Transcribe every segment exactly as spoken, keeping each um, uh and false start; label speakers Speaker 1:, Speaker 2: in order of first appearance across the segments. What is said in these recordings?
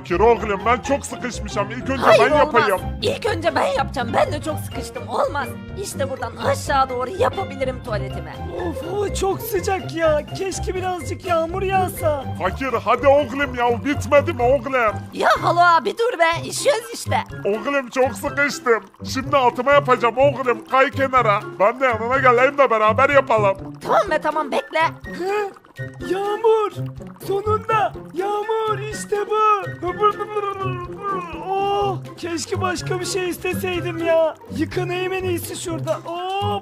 Speaker 1: fakir oğlum, ben çok sıkışmışım. İlk önce
Speaker 2: Hayır
Speaker 1: ben
Speaker 2: olmaz.
Speaker 1: yapayım.
Speaker 2: İlk önce ben yapacağım. Ben de çok sıkıştım. Olmaz. İşte buradan aşağı doğru yapabilirim tuvaletimi.
Speaker 3: Of hava çok sıcak ya. Keşke birazcık yağmur yağsa.
Speaker 1: Fakir hadi oğlum ya, bitmedi mi oğlum?
Speaker 2: Ya halo abi dur be. İşiyoruz işte.
Speaker 1: Oğlum çok sıkıştım. Şimdi altıma yapacağım oğlum, kay kenara. Ben de yanına geleyim de beraber yapalım.
Speaker 2: Tamam be tamam bekle.
Speaker 3: Hı? Yağmur. Sonunda yağmur işte bu. Oh, keşke başka bir şey isteseydim ya. Yıkanayım en iyisi şurada. Oh.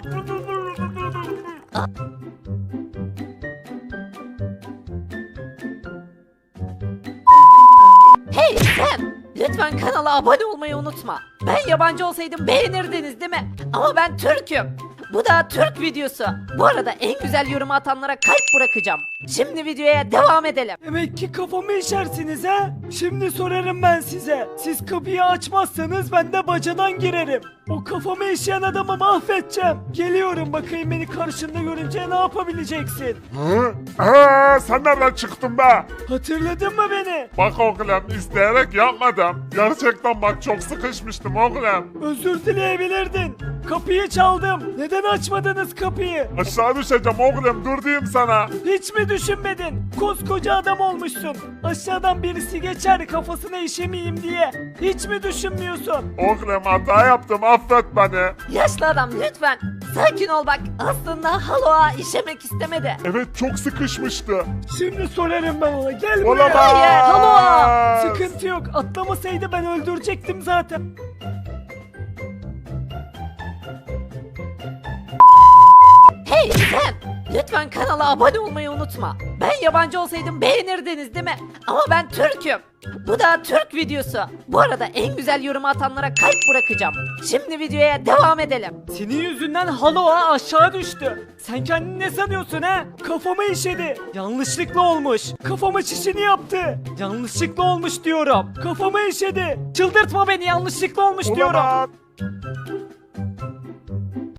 Speaker 2: Hey sen! Lütfen kanala abone olmayı unutma. Ben yabancı olsaydım beğenirdiniz değil mi? Ama ben Türk'üm. Bu da Türk videosu. Bu arada en güzel yorumu atanlara kalp bırakacağım. Şimdi videoya devam edelim.
Speaker 3: Demek ki kafamı işersiniz ha? Şimdi sorarım ben size. Siz kapıyı açmazsanız ben de bacadan girerim. O kafamı işeyen adamı mahvedeceğim. Geliyorum, bakayım beni karşında görünce ne yapabileceksin?
Speaker 1: Hı? Aa, sen nereden çıktın be?
Speaker 3: Hatırladın mı beni?
Speaker 1: Bak oğlum, isteyerek yapmadım. Gerçekten bak çok sıkışmıştım oğlum.
Speaker 3: Özür dileyebilirdin. Kapıyı çaldım. Neden açmadınız kapıyı?
Speaker 1: Aşağı düşeceğim oğlum, dur diyeyim sana.
Speaker 3: Hiç mi düşünmedin? Koskoca adam olmuşsun. Aşağıdan birisi geçer kafasına işemeyeyim diye. Hiç mi düşünmüyorsun?
Speaker 1: Oğlum hata yaptım, affet beni.
Speaker 2: Yaşlı adam lütfen. Sakin ol bak. Aslında haloa işemek istemedi.
Speaker 1: Evet çok sıkışmıştı.
Speaker 3: Şimdi sorarım ben ona. Gel buraya.
Speaker 1: Olamaz.
Speaker 2: Hayır, halo.
Speaker 3: Sıkıntı yok. Atlamasaydı ben öldürecektim zaten.
Speaker 2: Hey sen! Lütfen kanala abone olmayı unutma. Ben yabancı olsaydım beğenirdiniz değil mi? Ama ben Türk'üm. Bu da Türk videosu. Bu arada en güzel yorumu atanlara kalp bırakacağım. Şimdi videoya devam edelim.
Speaker 3: Senin yüzünden Haloa aşağı düştü. Sen kendini ne sanıyorsun ha? Kafama işedi. Yanlışlıkla olmuş. Kafama çişini yaptı. Yanlışlıkla olmuş diyorum. Kafama işedi. Çıldırtma beni, yanlışlıkla olmuş diyorum.
Speaker 1: Olamaz.